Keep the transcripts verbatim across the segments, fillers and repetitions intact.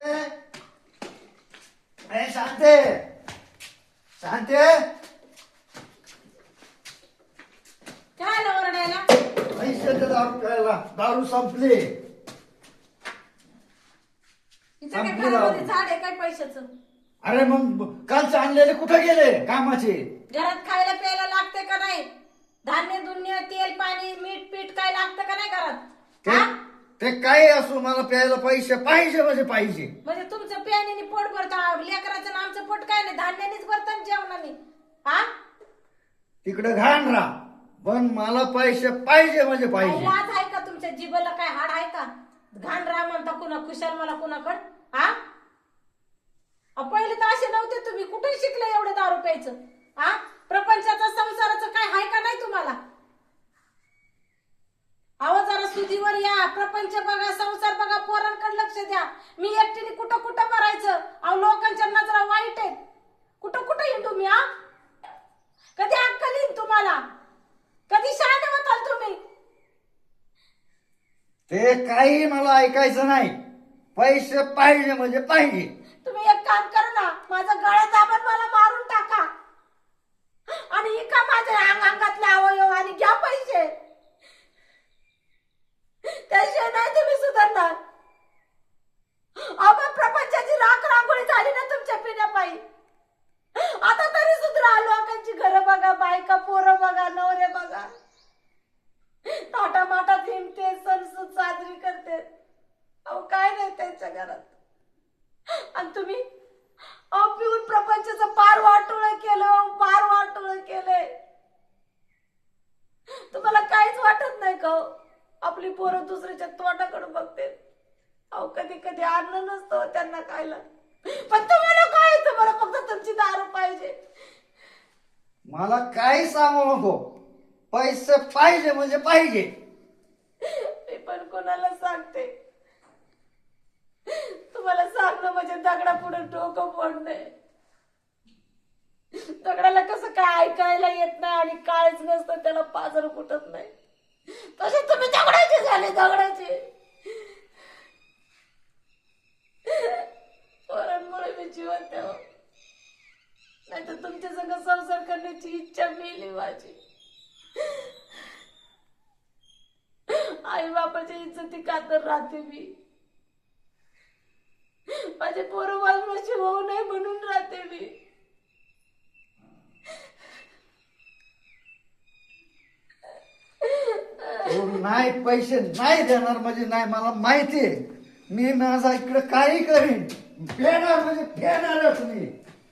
अरे शांते शांते काय आलं ओरडायला? पैसे दे दारू प्यायला. दारू संपली. इथं काय संपली घरामध्ये दारू. झाड आहे काय पैशाचं? अरे मग कालचे आणलेले कुठे गेले कामाचे? घरात खायला प्यायला लागते का नाही? धान्य दुन्य तेल पाणी मीठ पीठ काय लागतं का नाही घरात? ते हा? ते काही असो मला प्यायला पैसे पाहिजे म्हणजे पाहिजे. म्हणजे तुमचं प्यानीने पोट भरतं, लेकराचं आणि आमचं पोट काय नाही, धान्यानेच भरतं आणि जेवणाने. हा? तिकडे घाण राहा पण मला पैसे पाहिजे म्हणजे काही पाहिजे. लाज आहे का तुमच्या जिभेला? काय हाड आहे का? घाण राहा म्हणता कुणा खुशाल मला कुणाकड? हा? अहो, पहिले तर असे नव्हते तुम्ही. कुठे शिकले एवढे दारू प्यायचं? हा? प्रपंचाचं संसाराचं काय आहे का नाही तुम्हाला? अहो जरा सुधीवर या. प्रपंच बघा, संसार बघा, पोरांकडे लक्ष द्या. मी एकटीने कुठं कुठं भरायचं? अहो लोकांच्या नजरा वाईट आहेत. कुठं कुठं येईन तुम्ही? हा? कधी अक्कल येईन तुम्हाला? कधी शहाणे होताल तुम्ही? ते काही मला ऐकायचं नाही. पैसे पाहिजे म्हणजे पाहिजे. तुम्ही एक काम करा ना, माझं गळा दाबून मला मारून टाका आणि इका माझ्या अंग अंगातले अवयव आणि घ्या पैसे. त्याशिवाय नाही तुम्ही सुधारणार. अहो प्रपंचाची राख रांगोळी झाली ना तुमच्या पिण्यापायी. आता तरी सुधरा. लोकांची घरं बघा, बायका पोरं बघा, नवरे बघा, ताटा माटात हिंडते, सणसूद साजरी करते. अहो काय नाही त्यांच्या घरात. आणि तुम्ही अहो पिऊन प्रपंचाचं पार वाटोळ केलं, पार वाटोळ केलंय. तुम्हाला काहीच वाटत नाही का? आपली पोरं दुसऱ्याच्या तोंडाकडे बघते. अहो कधी कधी अन्न नसतं त्यांना खायला, पण तुम्हाला काय? तुम्हाला फक्त तुमची दारू पाहिजे. मला काही सांगू नको. पैसे पाहिजे म्हणजे पाहिजे. मी पण कोणाला सांगते? तुम्हाला सांगणं म्हणजे दगडा पुढे डोकं फोडणे. दगडाला कसं काय ऐकायला येत नाही आणि काळच नसतं, त्याला पाजर फुटत नाही, तसे तुम्ही दगडाचे झाले, दगडाचे. पोरांमुळे मी जीवन द्यावं, नाही तर तुमच्या संग संसार करण्याची इच्छा मेली माझी. आई बापाच्या इज्जती खातर राहते मी. माझे पोरं वाजवाशी होऊ नये म्हणून राहते मी. तो नाही पैसे नाही देणार म्हणजे नाही. मला माहितीये मी माझा इकडे काही करीन. फेणार म्हणजे फेणारच मी.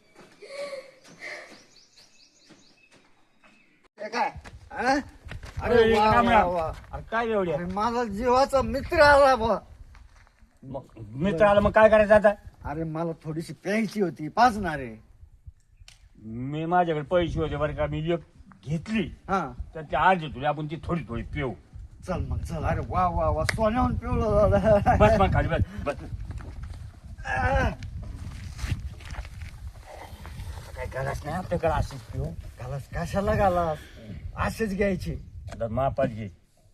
हे काय हा? अरे वा वा वा. अरे काय एवढी अरे माझा जीवाचा मित्र आला बा. मग मित्र आला मग काय करायचं आता? अरे मला थोडीशी प्यायची होती, पाजणार आहे. मी माझ्याकडे पैसे होते बरं का, मी एक घेतली हा तर ते आज तुला आपण ती थोडी थोडी पिऊ. चल मग चल. अरे वा वा वा सोन्याहून पिवलं दादा. बस मग खाली बस बस. काय गरज नाही आपल्याकडे अशीच पिऊ. घालास कशाला घालास? असेच घ्यायची. आता मापात घे.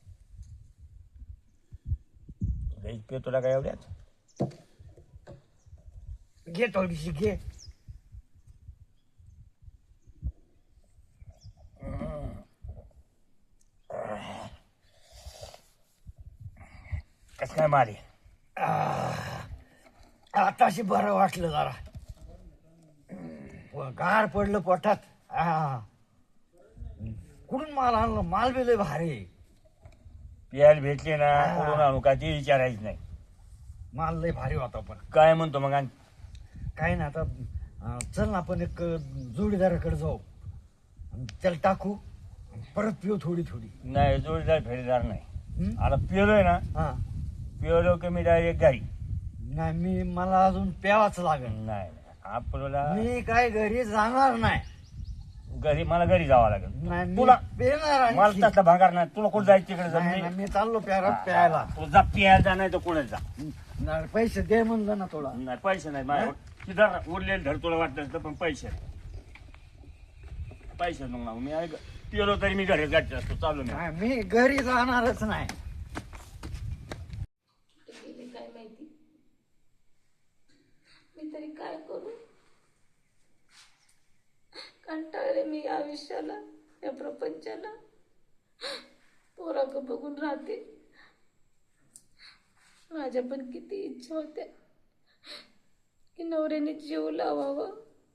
लई पिऊ तुला काय एवढ्यात? घे थोडीशी घे. कसं काय मारे? आताशी बरं वाटलं जरा. गार पडलं पोटात. हा कुठून माल आणलं? माल बी लय भारी. प्यायला भेटले ना कुठून आणू का ते विचारायचं नाही. माल लय भारी होता. पण काय म्हणतो मग? आणि काय ना आता अं, चल ना आपण एक जोडीदाराकडे जाऊ, त्याला टाकू, परत पिऊ थोडी थोडी. नाही जोडीदार फेरीदार नाही. हं? आता पिलोय ना, हा पिलो की मी डायरेक्ट गाडी. नाही मी मला अजून प्यावाच लागेल. नाही आपल्याला मी काय घरी जाणार नाही. घरी मला घरी जावं लागेल. नाही मी तुला पेणार आणखी. मला तसला भांगार नाही. तुला कुठं जायचं तिकडे जा. नाही, मी- नाही, मी चाललो प्यारा प्यायला. तू जा प्यायला जा नाही तर कोणाला जा. नाही, पैसे दे म्हणलं ना थोडा. नाही पैसे नाही माझ्यावर. तिथं उरलेलं धर तुला वाटलं तर, पण पैसे नाही. पैसे मग ना मी ऐक पिलो तरी मी घरी गाडीत असतो. चालू मी. नाही, मी घरी जाणारच नाही. काय माहिती काय करू? कंटाळले मी या आयुष्याला, या प्रपंचाला. पोराक बघून राहते. माझ्या पण किती इच्छा होत्या की नवऱ्याने जीव लावावा.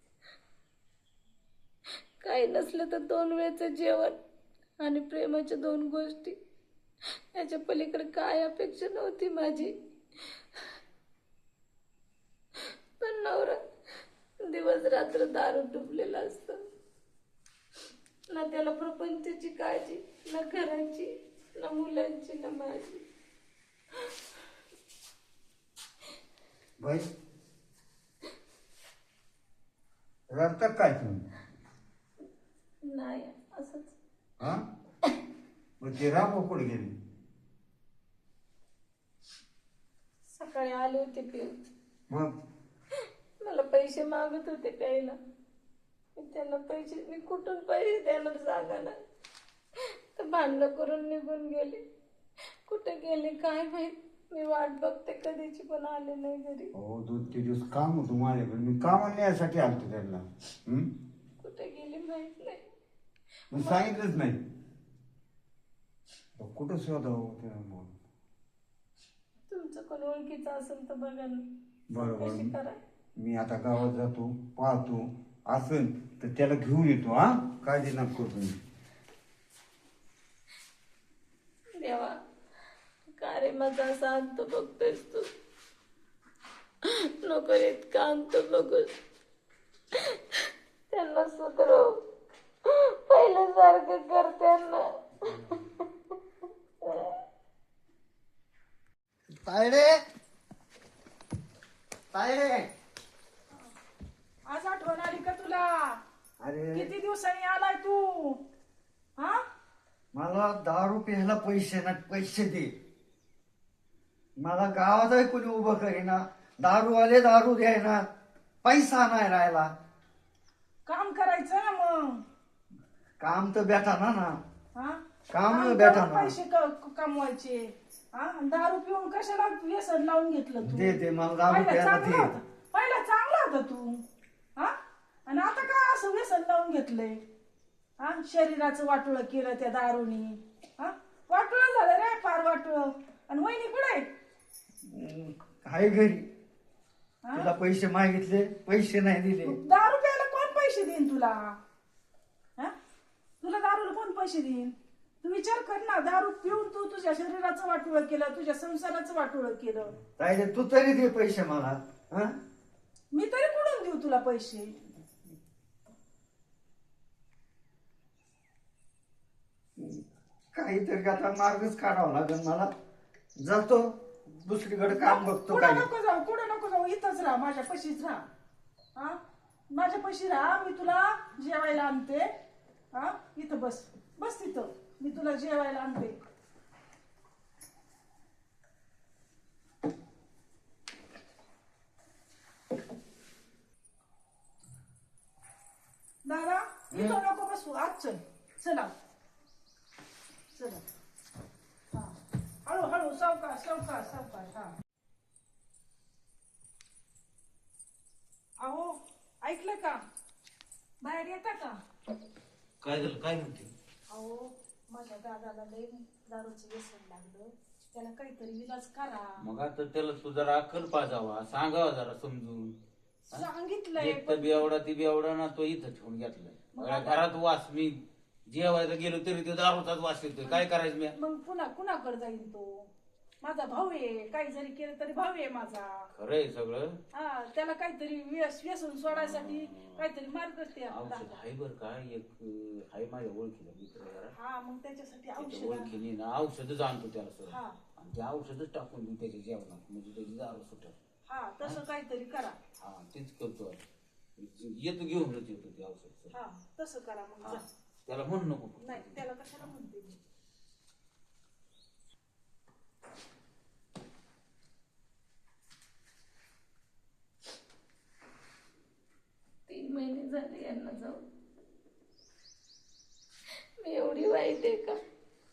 काही नसलं तर दोन वेळचं जेवण आणि प्रेमाच्या दोन गोष्टी, याच्या पलीकडे काय अपेक्षा नव्हती माझी. पण नवरा दिवस रात्र दारू डुबलेला असतो. ना त्याला प्रपंचाची काळजी, ना घराची, ना मुलांची, ना माझी. भाई रडतात काय तुम्ही? नाही असंच. हा मग ते राम कुठे गेली? सकाळी आले होते पिऊन. मग मला पैसे मागत होते प्यायला. मी त्यांना पैसे, मी कुठून पैसे देणार सांगा ना. तर भांडणं करून निघून गेले. कुठे गेले काय माहित. मी वाट बघते कधीची, पण आले नाही घरी. हो दोन तीन दिवस काम होतो माझ्याकडे, मी कामाला न्यायसाठी आलतो त्यांना. हम्म कुठे गेले माहित नाही. मग सांगितलंच नाही. कुठं शोधावं? तुमचं कोण ओळखीचं असेल तर बघा ना. बरोबर. कशी करा. मी आता गावात जातो, पाहतो, असेल तर त्याला घेऊन येतो. हा काळजी नका करू तुम्ही. देवा, का रे माझा असा अंत बघतोयस तू? नको रे इतका अंत बघूस. त्यांना सुधरव, पहिल्यासारखं कर त्यांना. तायडे तायडे, आज आठवण आली का तुला? अरे किती दिवसांनी आलाय तू? हा मला दारू प्यायला पैसे ना, पैसे दे. मला गावातही कोणी उभं करीना. दारूवाले दारू द्यायना, पैसा नाही राहिला. काम करायचं ना मग. काम तर भेटाना ना. हा काम काम भेटा करून ना. पैसे क- कमवायचे. हा दारू पिऊन कशाला व्यसन लावून घेतलं तू? दे दे मला दारू पहिला प्यायला चांगला दे. होता, पहिला चांगला होता तू. हा आणि आता काय असं व्यसन लावून घेतलंय? हा शरीराचं वाटोळं केलं त्या दारूनी. हा वाटोळं झालं रे, फार वाटोळं. आणि वहिनी कुठे? हम्म, आहे घरी. हा? तुला पैसे मागितले, पैसे नाही दिले. दारू प्यायला कोण पैसे देईन तुला? हा तुला दारूला कोण पैसे देईन? तू विचार कर ना. दारू पिऊन तू तुझ्या शरीराचं वाटोळं केलं, तुझ्या संसाराचं वाटोळं केलं. तायडे तू तरी दे पैसे मला. हा मी तरी कुठून देऊ तुला पैसे? काहीतरी आता मार्गच काढावा लागेल मला. जातो दुसरीकडे काम बघतो. कुठं काय नको जाऊ, कुठं नको जाऊ. इथंच राहा, माझ्या पशीच राहा. हा माझ्या पशी राहा. मी तुला जेवायला आणते. हा इथं बस, बस तिथं. मी तुला जेवायला आणते. दादा इथं नको बसू, आज चल. चला चला. हा हळू हळू, सावकाश सावकाश सावकाश. हा अहो ऐकलं का? बाहेर येता का? काय झालं? काय म्हणते? अहो माझ्या दादाला लय दारूचं व्यसन लागलं. त्याला काहीतरी इलाज करा. मग आता त्याला तू जरा अक्कल पाजावा, सांगावा जरा समजून. सांगितलंय एक तर बेवडा ती बेवडा ना, तो इथं ठेवून घेतलाय. मला घरात वास, मी जेवायला गेलो तरी तो दारूचाच वास येतोय. काय करायचं मी? मग पुन्हा कुणाकडे जाईल तो? माझा भाऊ आहे, काही जरी केलं तरी भाऊ आहे माझा. खरंय सगळं. हा त्याला काहीतरी व्यस- व्यसन सोडायसाठी काहीतरी मार्ग ते औषध आहे बर का, एक आहे माझ्या ओळखीला मित्र जरा. हा मग त्याच्यासाठी त्याच्या औषध. ओळखीने ना औषधच आणतो त्याला सर. हा आणि ते औषधच टाकून देऊ त्याच्या जेवणात, म्हणजे त्याची दारू सुटेल. हा तसं काहीतरी करा. हा तेच करतो. येतो घेऊनच येतो ते औषध सर. हा तसं करा मग. हा जा. त्याला म्हण नको. नाही त्याला कशाला म्हणते मी. तीन महिने झाले यांना जाऊन. मी एवढी वाईट आहे का?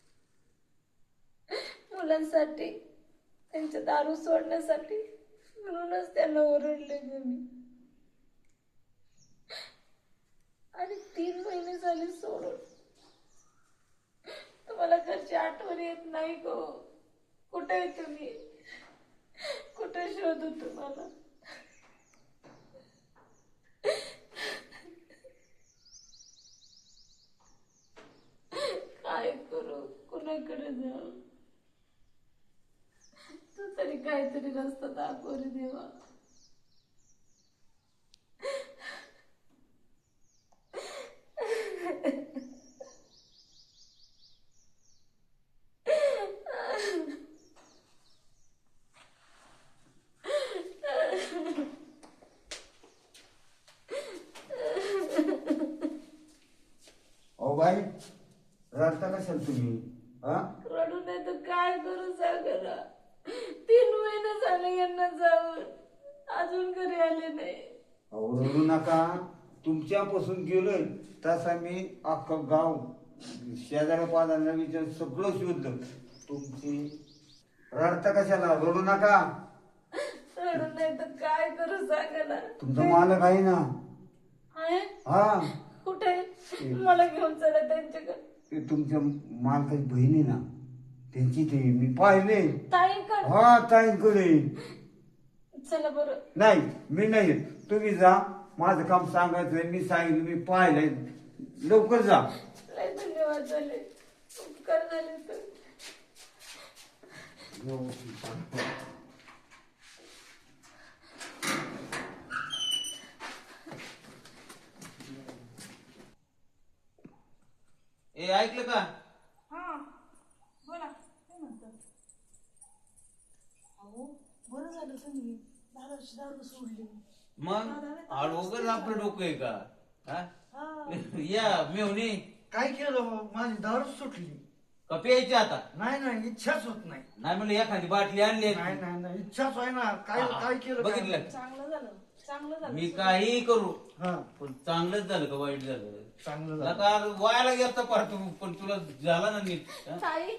मुलांसाठी, त्यांच्या दारू सोडण्यासाठी म्हणूनच त्यांना ओरडले ग मी. आणि तीन महिने झाले सोडून. तुम्हाला घरची आठवण येत नाही गो? कुठे आहे तुम्ही? कुठे शोधू तुम्हाला? काय करू? कुणाकडे जाऊ? तू तरी काहीतरी रस्ता दाखव रे देवा. अहो बाई रडता कशाल तुम्ही? हा रडू नाही तर काय करू सांगा. तीन महिने झाले यांना जाऊन, अजून घरी आले नाही. अहो रडू नका. तुमच्यापासून गेलोय तसा मी अख्खं गाव शेजाऱ्या पाजाऱ्यांना विचार सगळं शोधलं. तुमची रडता कशाला? रडू नका. रडू नाही तर काय करू सांगा ना. तुमचा मालक आहे ना. आहे हा कुठे? मला घेऊन चला त्यांच्याकडे. ते तुमच्या मालकाची बहिणी ना त्यांची ते मी पाहिले. ताईंकडे? हा ताईंकडे. चला बरं. नाही मी नाही येत. तुम्ही जा. माझं काम सांगायचंय. मी सांगितलं मी पाहिलंय. लवकर जा. लय धन्यवाद झाले, उपकार झाले तर. ए ऐकलं का? हा बोला, काय म्हणतात? अहो बरं झालं तुम्ही दारूची दारू सोडली. मग आडवगच आपलं डोकं आहे का? हा? हा. या मेवणी काय केलं हो? माझी दारू सुटली. का प्यायची आता? नाही नाही इच्छाच होत नाही. नाही म्हणलं एखादी बाटली आणली नाही नाही नाही इच्छाच आहे ना. काय हा, काय केलं काय? बघितलं? चांगलं झालं, चांगलं झालं. मी काही करू हा पण चांगलंच झालं का वाईट झालं? चांगलं झालं. नका वायाला गेलता पार तू, पण तुला झाला ना नीट. हा? ताई,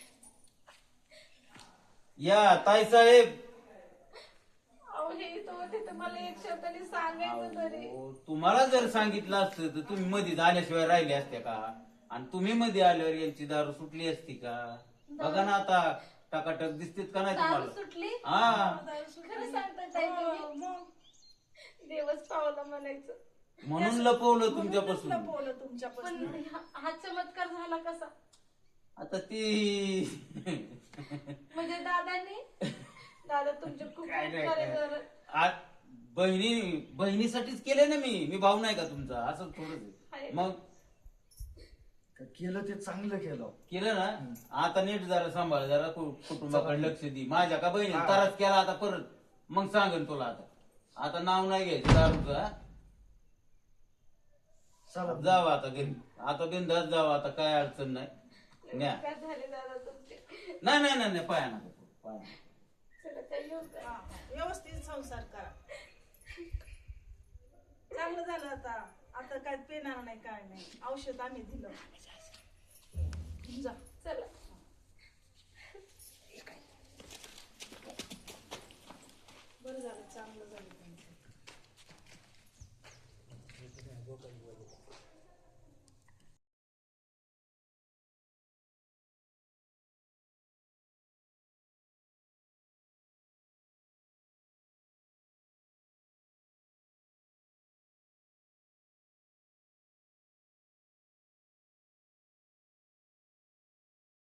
या ताई साहेब. अहो हे इथं होते तर मला एक शब्दाने सांगायचं तरी. अहो, तुम्हाला जर सांगितलं असतं तर तुम्ही मध्ये आल्याशिवाय राहिले असते का? आणि तुम्ही मध्ये आल्यावर यांची दारू सुटली असती का? बघा ना आता टकाटक दिसतेत का नाही दारू तुम्हाला? सुटली? हा खरं सांगताय ताई तुम्ही? देवच पावला म्हणायचं. म्हणून लपवलं तुमच्यापासून. लपवलं पण तुमच्यापासून. हा हा चमत्कार झाला कसा? आता ती म्हणजे दादांनी? दादा तुमचे खूप काय नाही, उपकार आहे काय. बरं. आज बहिणी बहिणीसाठीच केले ना मी. मी भाऊ नाही का तुमचा? असं थोडं आहे. मग केलं ते चांगलं केलं. केलं ना. आता नीट जरा सांभाळ, जरा कु- कुटुंबाकडे लक्ष दे. माझ्या का बहिणी हा. ताराच केला आता परत. मग सांगेन तुला. आता आता नाव नाही घ्यायचं दारूचं. हा? चला जावा आता घरी. आता बिंदास जावा. आता काय अडचण नाही. न्या. उपकार झाले दादा तुमचे. नाही नाही नाही नाही, पाया नका पडू, पाया नका. चला काही येऊ का? हा, व्यवस्थित संसार करा. चांगलं झालं आता. आता काय पेणार नाही, काय नाही. औषध आम्ही दिलं. जा. चला.